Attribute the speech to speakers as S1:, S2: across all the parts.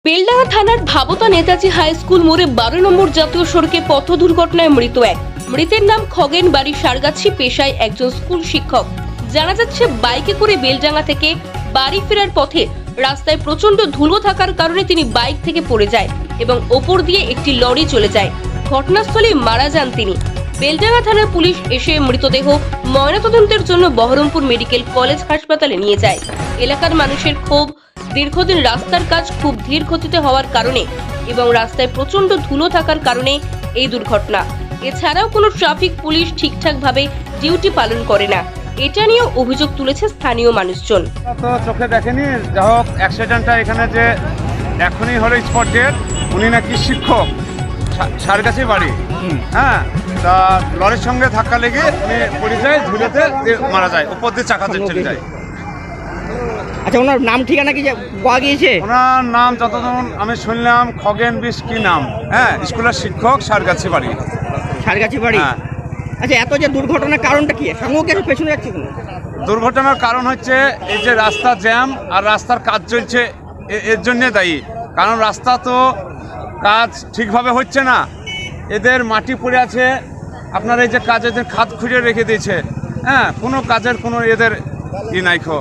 S1: বেলডাঙ্গা থানার ভাবতা Netaji high school মোড়ে 12 নম্বর জাতীয় সড়কে পথ দুর্ঘটনায় মৃত এক। মৃতের নাম খগেন, বাড়ি সারগাছি, পেশায় একজন স্কুল শিক্ষক। জানা যাচ্ছে বাইকে করে বেলডাঙ্গা থেকে বাড়ি ফেরার পথে রাস্তায় প্রচন্ড ধুলো থাকার কারণে তিনি বাইক থেকে পড়ে যায় এবং ওপর দিয়ে একটি লরি চলে যায়। ঘটনাস্থলে মারা যান তিনি। বেলডাঙ্গা থানার পুলিশ এসে মৃতদেহ ময়নাতদন্তের জন্য বহরমপুর মেডিকেল কলেজ হাসপাতালে নিয়ে যায়। এলাকার মানুষের ক্ষোভ, দীর্ঘদিন রাস্তার কাজ খুব ধীর গতিতে হওয়ার কারণে এবং রাস্তায় প্রচন্ড ধুলো থাকার কারণে এই দুর্ঘটনা। এছাড়াও কোনো ট্রাফিক পুলিশ ঠিকঠাকভাবে ডিউটি পালন করে না, এটা নিয়েও অভিযোগ তুলেছে স্থানীয় মানুষজন।
S2: তো চোখে দেখেনি, যা হোক অ্যাক্সিডেন্টটা এখানে যে এখনই হলো স্পট ডেট। উনি নাকি শিক্ষক, সারগাছি বাড়ি। হ্যাঁ, তা লরির সঙ্গে ধাক্কা লেগে উনি পড়ে যায়, ধুলোতে মারা যায়, উপর দিয়ে চাকা চলে যায়।
S3: আচ্ছা, ওনার নাম ঠিকানা কি পাওয়া গিয়েছে?
S2: ওনার নাম যতক্ষণ আমি শুনলাম খগেন বিশ কি নাম। হ্যাঁ, স্কুলের শিক্ষক, সারগাছি বাড়ি।
S3: সারগাছি বাড়ি।
S2: হ্যাঁ।
S3: আচ্ছা, এত যে দুর্ঘটনার কারণটা কি? সঙ্গে কিছু পেছনে যাচ্ছে কেন?
S2: দুর্ঘটনার কারণ হচ্ছে এই যে রাস্তা জ্যাম আর রাস্তার কাজ চলছে, এর জন্যে দায়ী। কারণ রাস্তা তো কাজ ঠিকভাবে হচ্ছে না, এদের মাটি পড়ে আছে। আপনার এই যে কাজের খাত খুঁড়ে রেখে দিয়েছে। হ্যাঁ, কোনো কাজের কোনো এদের নাই খো,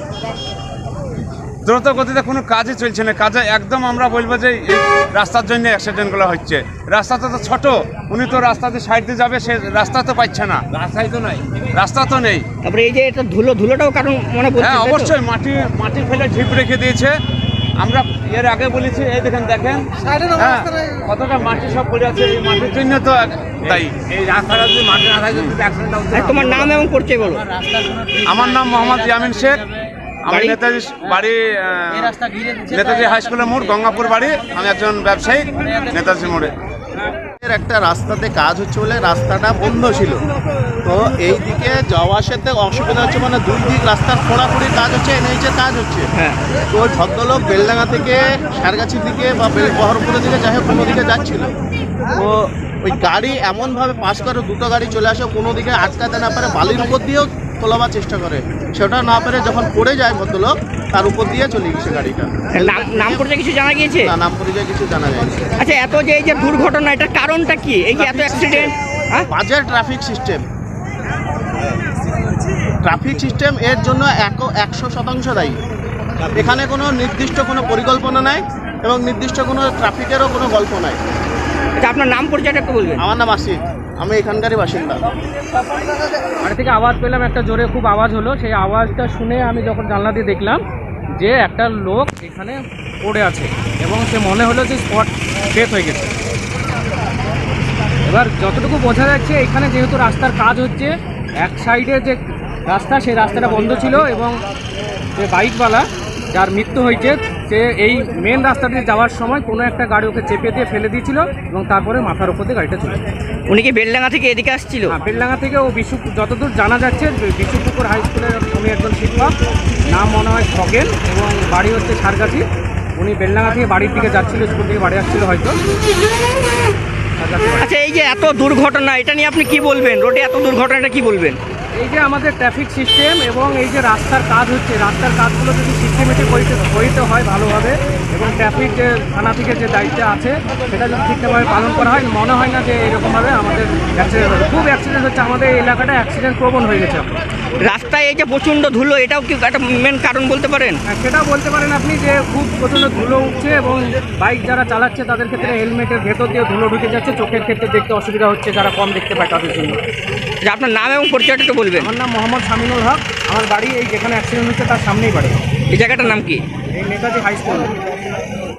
S2: দ্রুত গতিতে কোনো কাজই চলছে না। কাজে একদম আমরা বলবো যে এই রাস্তার জন্য অ্যাক্সিডেন্টগুলো হচ্ছে। রাস্তাটা তো ছোট, উনি তো রাস্তাতে সাইড দিয়ে যাবে, সে রাস্তা তো পাচ্ছে না, রাস্তাই তো নাই, রাস্তা তো নেই।
S3: তারপরে এই যে এটা ধুলোটাও কারণ মনে পড়ছে।
S2: হ্যাঁ, অবশ্যই মাটি ফেলে ঢিপ রেখে দিয়েছে। আমরা এর আগে বলেছি, এই দেখেন হ্যাঁ কতটা মাটি সব পড়ে আছে, এই মাটির জন্য তো দায়ী। এই রাস্তাটা যদি মাটি না থাকে অ্যাক্সিডেন্ট হচ্ছে।
S3: তোমার নাম এবং পরিচয় বলো।
S2: আমার নাম মোহাম্মদ ইয়ামিন শেখ, আমি নেতাজি বাড়ি, নেতাজি হাই স্কুলের মোড়, গঙ্গাপুর বাড়ি। আমি একজন ব্যবসায়ী নেতাজি মোড়ে।
S4: একটা রাস্তাতে কাজ হচ্ছে বলে রাস্তাটা বন্ধ ছিল, তো এই দিকে যাওয়া আসাতে অসুবিধা হচ্ছে। মানে দুই দিক রাস্তার খোঁড়াখুড়ির কাজ হচ্ছে, এনএইচের কাজ হচ্ছে। তো ওই ভদ্রলোক বেলডাঙ্গা থেকে সারগাছির দিকে বা বহরমপুরের দিকে যাই হোক কোনো দিকে যাচ্ছিল, তো ওই গাড়ি এমনভাবে পাস করে, দুটো গাড়ি চলে আসে, কোনো দিকে আটকাতে না পারে, বালির উপর দিয়েও তোলাবার চেষ্টা করে, সেটা না পেরে যখন পড়ে যায় ভদ্রলোক, তার উপর দিয়ে চলে গেছে গাড়িটা।
S3: নাম পরিচয় কিছু জানা গিয়েছে?
S4: না, নাম পরিচয় কিছু জানা যায়।
S3: আচ্ছা, এত যে এই যে দুর্ঘটনা, এটার কারণটা কি? এই যে এত অ্যাক্সিডেন্ট,
S4: বাজার ট্রাফিক সিস্টেম এর জন্য 100% দায়ী। এখানে কোনো নির্দিষ্ট কোনো পরিকল্পনা নাই এবং নির্দিষ্ট কোনো ট্রাফিকেরও কোনো গল্প নাই।
S3: আচ্ছা, আপনার নাম পরিচয়টা একটু বলবেন।
S4: আমার নাম আসিফ, আমি এখানকারই বাসিন্দা।
S5: বাড়ি থেকে আওয়াজ পেলাম, একটা জোরে খুব আওয়াজ হলো। সেই আওয়াজটা শুনে আমি যখন জানলা দিয়ে দেখলাম যে একটা লোক এখানে পড়ে আছে এবং সে মনে হলো যে স্পট ডেথ হয়ে গেছে। এবার যতটুকু বোঝা যাচ্ছে, এখানে যেহেতু রাস্তার কাজ হচ্ছে, এক সাইডে যে রাস্তা, সেই রাস্তাটা বন্ধ ছিল এবং যে বাইকওয়ালা যার মৃত্যু হয়েছে, সে এই মেন রাস্তা দিয়ে যাওয়ার সময় কোনো একটা গাড়ি ওকে চেপে দিয়ে ফেলে দিয়েছিল এবং তারপরে মাথার উপর দিয়ে গাড়িটা চলে যায়।
S3: উনি কি বেলডাঙ্গা থেকে এদিকে আসছিল?
S5: হ্যাঁ, বেলডাঙ্গা থেকে ও যতদূর জানা যাচ্ছে বিশুপুকুর হাই স্কুলের উনি একজন শিক্ষক, নাম মনে হয় খগেন এবং বাড়ি হচ্ছে সারগাছি। উনি বেলডাঙ্গা থেকে বাড়ির দিকে যাচ্ছিল, স্কুল থেকে বাড়ি আসছিল হয়তো।
S3: আচ্ছা, এই যে এত দুর্ঘটনা, এটা নিয়ে আপনি কি বলবেন? রোডে এত দুর্ঘটনাটা কি বলবেন?
S5: এই যে আমাদের ট্রাফিক সিস্টেম এবং এই যে রাস্তার কাজ হচ্ছে, রাস্তার কাজগুলো যদি সিস্টেমেটিক হইতে হয় ভালোভাবে, এবং ট্রাফিক যে থানা থেকে যে দায়িত্ব আছে সেটা যদি ঠিকঠাকভাবে পালন করা হয়, মনে হয় না যে এরকমভাবে আমাদের অ্যাক্সিডেন্ট হবে। খুব অ্যাক্সিডেন্ট হচ্ছে, আমাদের এই এলাকাটা অ্যাক্সিডেন্ট প্রবণ হয়ে গেছে।
S3: রাস্তায় এই যে প্রচণ্ড ধুলো, এটাও কি একটা মেন কারণ বলতে পারেন?
S5: সেটাও বলতে পারেন আপনি, যে খুব প্রচণ্ড ধুলো উঠছে এবং বাইক যারা চালাচ্ছে তাদের ক্ষেত্রে হেলমেটের ভেতর দিয়ে ধুলো ঢুকে যাচ্ছে, চোখের ক্ষেত্রে দেখতে অসুবিধা হচ্ছে, যারা কম দেখতে পায় তাদের জন্য।
S3: যে আপনার নাম এবং পরিচয়টা একটু বলবেন।
S5: আমার নাম মোহাম্মদ শামিনুল হক, আমার বাড়ি এই যেখানে অ্যাক্সিডেন্ট হচ্ছে তার সামনেই বাড়ি।
S3: এই জায়গাটার নাম কি?
S5: এই নেতাজি হাই স্কুল।